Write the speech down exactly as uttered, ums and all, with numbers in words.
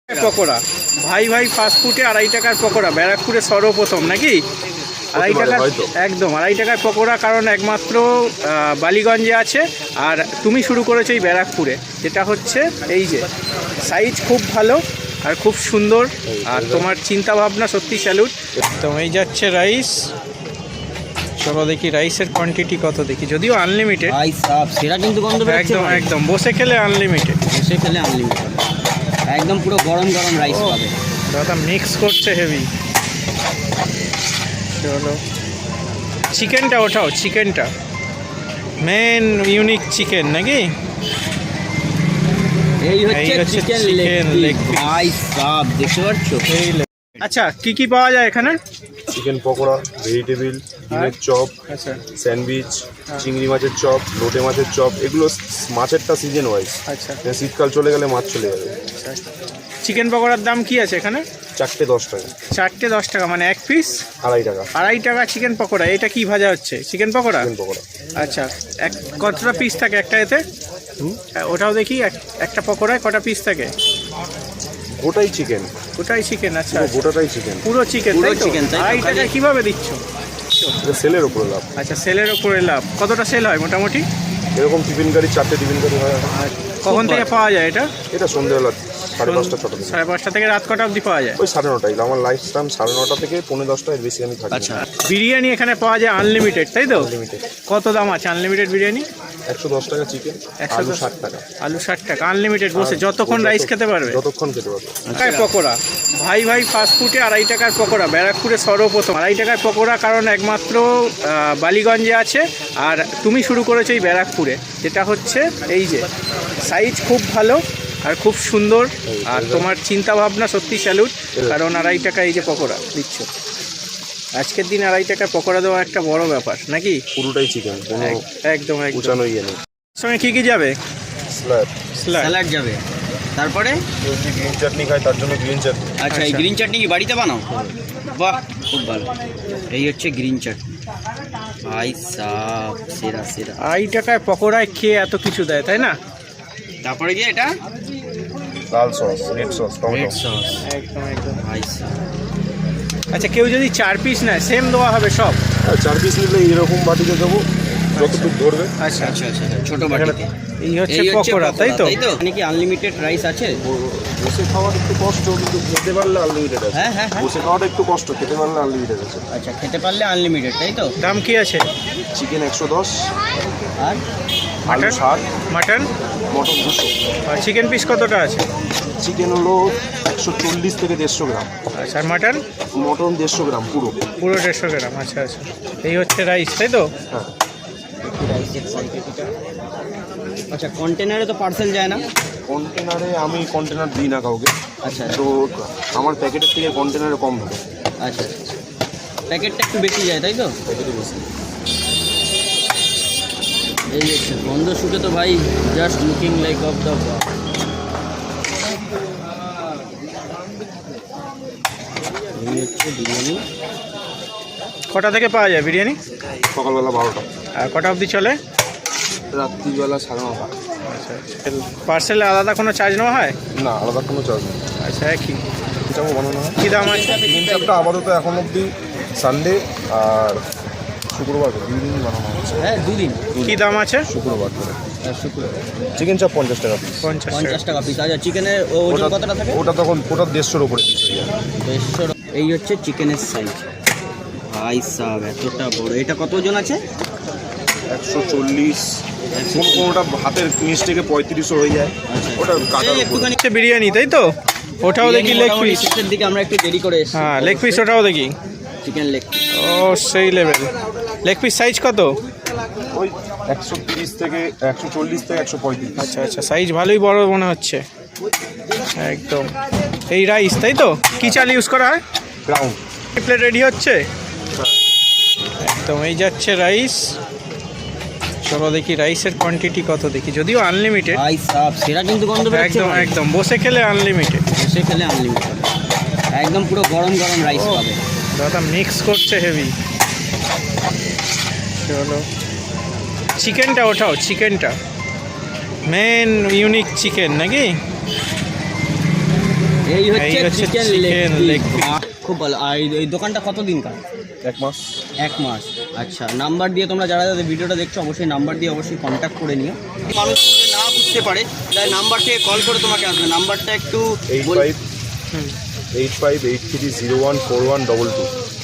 পকোড়া ভাই ভাই ফাস্টফুডে আড়াই টাকার পকোড়া, ব্যারাকপুরে সর্বপ্রথম নাকি? আড়াই টাকার, একদম আড়াই টাকার পকোড়া, কারণ একমাত্র বালিগঞ্জে আছে। আর তুমি শুরু করেছো এই ব্যারাকপুরে, যেটা হচ্ছে এই যে সাইজ খুব ভালো আর খুব সুন্দর, আর তোমার চিন্তা ভাবনা সত্যি স্যালুট। তো এই যাচ্ছে রাইস, চলো দেখি রাইসের কোয়ান্টিটি কত দেখি, যদিও আনলিমিটেড। সেটা কিন্তু গন্ধ একদম একদম বসে খেলে আনলিমিটেড, বসে খেলে আনলিমিটেড, একদম পুরো গরম গরম রাইস পাবে। দাদা মিক্স করছে হেভি। চলো চিকেনটা ওঠাও, চিকেনটা মেন ইউনিক চিকেন নাকি? এই হচ্ছে চিকেন লেগ পিস, সব দেখতে পাচ্ছো। আচ্ছা কি কি পাওয়া যায় এখানে? চিকেন পকোড়া, ভেজিটেবিল, ডিমের চপ, আচ্ছা স্যান্ডউইচ, চিংড়ি মাছের চপ, লোটে মাছের চপ। এগুলো মাছেরটা সিজন ওয়াইজ, আচ্ছা। শীতকাল চলে গেলে মাছ চলে যাবে। চিকেন পকোড়ার দাম কি আছে এখানে? চারটে দশ টাকা। চারটে দশ টাকা মানে এক পিস আড়াই টাকা। আড়াই টাকা চিকেন পকোড়া। এটা কি ভাজা হচ্ছে? চিকেন পকোড়া। চিকেন পকোড়া। আচ্ছা, এক কতটা পিস থাকে একটা এতে? ওটাও দেখি, একটা পকোড়ায় কটা পিস থাকে? গোটাই চিকেন। গোটাই চিকেন, আচ্ছা। গোটাটাই চিকেন, পুরো চিকেন, পুরো চিকেন। আড়াই টাকায় কিভাবে দিচ্ছ? সেলের উপরে লাভ। আচ্ছা, সেলের উপরে লাভ। কতটা সেল হয় মোটামুটি? এরকম টিফিন গাড়ি, চারটে টিফিন গাড়ি হয়। কখন থেকে পাওয়া যায় এটা? এটা সন্ধ্যেবেলা সাড়ে পাঁচটা ছটা থেকে। সাড়ে পাঁচটা থেকে রাত কটা অবধি পাওয়া যায়? ওই সাড়ে নটায়। আমার লাইফ টাইম সাড়ে নটা থেকে পৌনে দশটা, এর বেশি আমি থাকি। আচ্ছা, বিরিয়ানি এখানে পাওয়া যায় আনলিমিটেড, তাই তো? আনলিমিটেড। কত দাম আছে আনলিমিটেড বিরিয়ানি? একশো দশ টাকা চিকেন, আলু ষাট টাকা। আলু ষাট টাকা, আনলিমিটেড বসে যতক্ষণ রাইস খেতে পারবে, যতক্ষণ খেতে পারবে। টাকায় পকোড়া, ভাই ভাই ফাস্টফুডে আড়াই টাকার পকোড়া, ব্যারাকপুরে সর্বপ্রথম আড়াই টাকার পকোড়া, কারণ একমাত্র বালিগঞ্জে আছে। আর তুমি শুরু করেছো এই ব্যারাকপুরে, যেটা হচ্ছে এই যে সাইজ খুব ভালো আর খুব সুন্দর, আর তোমার চিন্তা ভাবনা সত্যি স্যালুট। কারণ আড়াই টাকা এই যে পকোড়া দিচ্ছ, আজকের দিন আড়াই টাকার পকোড়া দেওয়া একটা বড় ব্যাপার নাকি? পুরোটাই চিকেন, কোনো একদম একদম। উঁচানো ইয়ে নেই। সঙ্গে কি কি যাবে? স্ল্যাব, স্যালাড যাবে, তারপরে গ্রিন চাটনি খাই, তার জন্য গ্রিন চাটনি। আচ্ছা, এই গ্রিন চাটনি কি বাড়িতে বানাও? বাহ, খুব ভালো। এই হচ্ছে গ্রিন চাটনি, ভাই সাব সেরা সেরা। আড়াই টাকায় পকোড়ায় খেয়ে এত কিছু দেয়, তাই না? তারপরে কি এটা? লাল sauce, red sauce, red tomato sauce, একদম একদম। ভাই সাব। আচ্ছা, কেউ যদি চার পিস নেয় সেম দেওয়া হবে সব? হ্যাঁ, চার পিস নিলে এরকম বাটিতে দেবো, যতটুকু ধরবে। আচ্ছা আচ্ছা আচ্ছা, ছোট বাটিতে। এই হচ্ছে পকোড়া, তাই তো? মানে কি আনলিমিটেড রাইস আছে? বসে খাওয়ার একটু কষ্ট, কিন্তু খেতে পারলে আনলিমিটেড আছে। হ্যাঁ হ্যাঁ হ্যাঁ। বসে খাওয়াটা একটু কষ্ট, খেতে পারলে আনলিমিটেড আছে। আচ্ছা, খেতে পারলে আনলিমিটেড, তাই তো? দাম কি আছে? চিকেন একশো দশ, আর আলু মাটন? ষাট, মাটন মটন দুশো। আর চিকেন পিস কতটা আছে? চিকেন হলো একশো চল্লিশ থেকে দেড়শো গ্রাম। আচ্ছা, আর মাটন? মটন দেড়শো গ্রাম পুরো। পুরো দেড়শো গ্রাম। আচ্ছা আচ্ছা, এই হচ্ছে রাইস, তাই তো? হ্যাঁ। আচ্ছা, কন্টেনারে তো পার্সেল যায় না? কন্টেনারে আমি কন্টেনার দিই না কাউকে। আচ্ছা, তো আমার প্যাকেটের থেকে কন্টেনারে কম থাকে। আচ্ছা, প্যাকেটটা একটু বেশি যায়, তাই তো? প্যাকেটে বেশি। এই হচ্ছে গন্ধ শুকে তো ভাই just looking like of the এই হচ্ছে বিরিয়ানি। কটা থেকে পাওয়া যায় বিরিয়ানি? সকালবেলা বারোটা, আর কটা অবধি চলে? রাত্রিবেলা সাড়ে নটা। আচ্ছা, পার্সেলে আলাদা কোনো চার্জ নেওয়া হয়? না, আলাদা কোনো চার্জ নেই। আচ্ছা, একই এটাও বানানো হয়। কী দাম আছে? তিন চারটা আপাতত এখন অবধি সানডে আর শুক্রবার দুই দিন বানানো হচ্ছে। হ্যাঁ, দুদিন। কী দাম আছে? শুক্রবার করে শুক্রবার চিকেন চাপ পঞ্চাশ টাকা পিস। পঞ্চাশ টাকা। পঞ্চাশ টাকা পিস। আচ্ছা, চিকেনের ওজন কতটা থাকে? ওটা তখন ওটা দেড়শোর উপরে পিস হয়ে যায়। দেড়শো। এই হচ্ছে চিকেনের সাইজ, ভাই সাব এতটা বড়। এটা কত ওজন আছে? একশো চল্লিশ, কোনো কোনোটা হাতের নিচ থেকে পঁয়ত্রিশও হয়ে যায়। ওটা কাটার উপর। একটুখানি বিরিয়ানি, তাই তো? ওটাও দেখি লেগ পিস। শেষের দিকে আমরা একটু দেরি করে এসেছি। হ্যাঁ, লেগ পিস ওটাও দেখি। চিকেন লেগ পিস, ও সেই লেভেল। লেগ পিস সাইজ কত? ওই একশো তিরিশ থেকে একশো চল্লিশ থেকে একশো পঁয়ত্রিশ। আচ্ছা আচ্ছা, সাইজ ভালোই বড় মনে হচ্ছে একদম। এই রাইস, তাই তো? কি চাল ইউজ করা হয়? গ্রাউন্ড। প্লেট রেডি হচ্ছে একদম। এই যাচ্ছে রাইস, চলো দেখি রাইসের কোয়ান্টিটি কত দেখি, যদিও আনলিমিটেড। ভাই সাব সেটা কিন্তু গন্ধ একদম একদম বসে খেলে আনলিমিটেড, বসে খেলে আনলিমিটেড, একদম পুরো গরম গরম রাইস পাবে। দাদা মিক্স করছে হেভি। চলো চিকেনটা ওঠাও, চিকেনটা মেন ইউনিক চিকেন নাকি? এই হচ্ছে এই হচ্ছে chicken chicken leg leg piece। খুব ভালো। আর এই- এই দোকানটা কত দিন কার? এক মাস। এক মাস। আচ্ছা, নাম্বার দিয়ে তোমরা যারা যারা ভিডিওটা দেখছো অবশ্যই নাম্বার দিয়ে অবশ্যই কন্ট্যাক্ট করে নিও। মানুষ যদি না বুঝতে পারে তাই নাম্বার থেকে কল করে তোমাকে আসবে। নাম্বারটা একটু এইট বল- five eight five eight three zero one four one double two